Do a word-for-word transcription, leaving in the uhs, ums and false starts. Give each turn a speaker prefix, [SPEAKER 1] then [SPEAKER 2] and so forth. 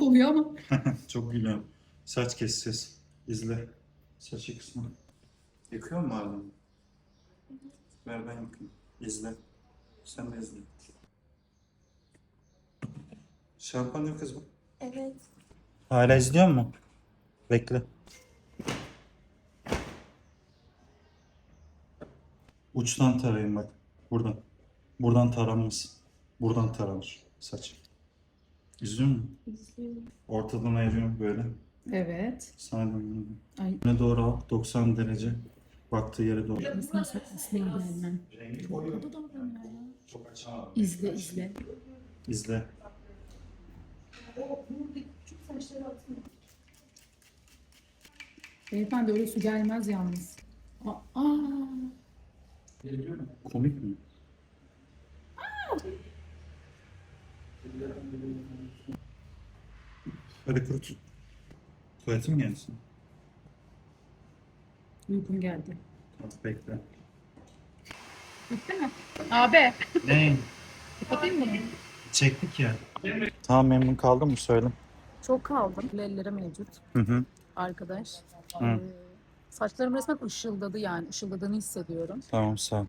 [SPEAKER 1] komik oluyor ama.
[SPEAKER 2] Çok gülüyorum. Saç keseceğiz. İzle. Saçı kısmı. Yıkıyor mu hala? Ver ben yıkayayım. İzle. Sen de izle. Şampuan yok kız bu.
[SPEAKER 3] Evet.
[SPEAKER 2] Hala izliyor mu? Bekle. Uçtan tarayın bak. Buradan. Buradan taranmaz. Buradan taranır saç. İzliyor musun?
[SPEAKER 3] İzliyorum.
[SPEAKER 2] Ortadan ayırıyorum böyle.
[SPEAKER 1] Evet.
[SPEAKER 2] Sana dönüyorum.
[SPEAKER 1] Ay.
[SPEAKER 2] Öne doğru al. doksan derece. Baktığı yere doğru.
[SPEAKER 1] Nasıl saklasına gelmem. Çok kötü davranıyor ya. İzle izle.
[SPEAKER 2] İzle.
[SPEAKER 1] Beyefendi öyle su gelmez yalnız. Aa.
[SPEAKER 2] Komik mi? Hadi kurut. Tuvaletim gelsin.
[SPEAKER 1] Uykum geldi.
[SPEAKER 2] Tamam, bekle.
[SPEAKER 1] Bitti mi? Abi.
[SPEAKER 2] Ne?
[SPEAKER 1] Kapatayım mı bunu?
[SPEAKER 2] Çektik ya. Tamam, memnun kaldın mı söyle.
[SPEAKER 1] Çok kaldım. Elleri mevcut.
[SPEAKER 2] Hı hı.
[SPEAKER 1] Arkadaş.
[SPEAKER 2] Hı.
[SPEAKER 1] Ee, saçlarım resmen ışıldadı yani. Işıldadığını hissediyorum.
[SPEAKER 2] Tamam, sağ ol.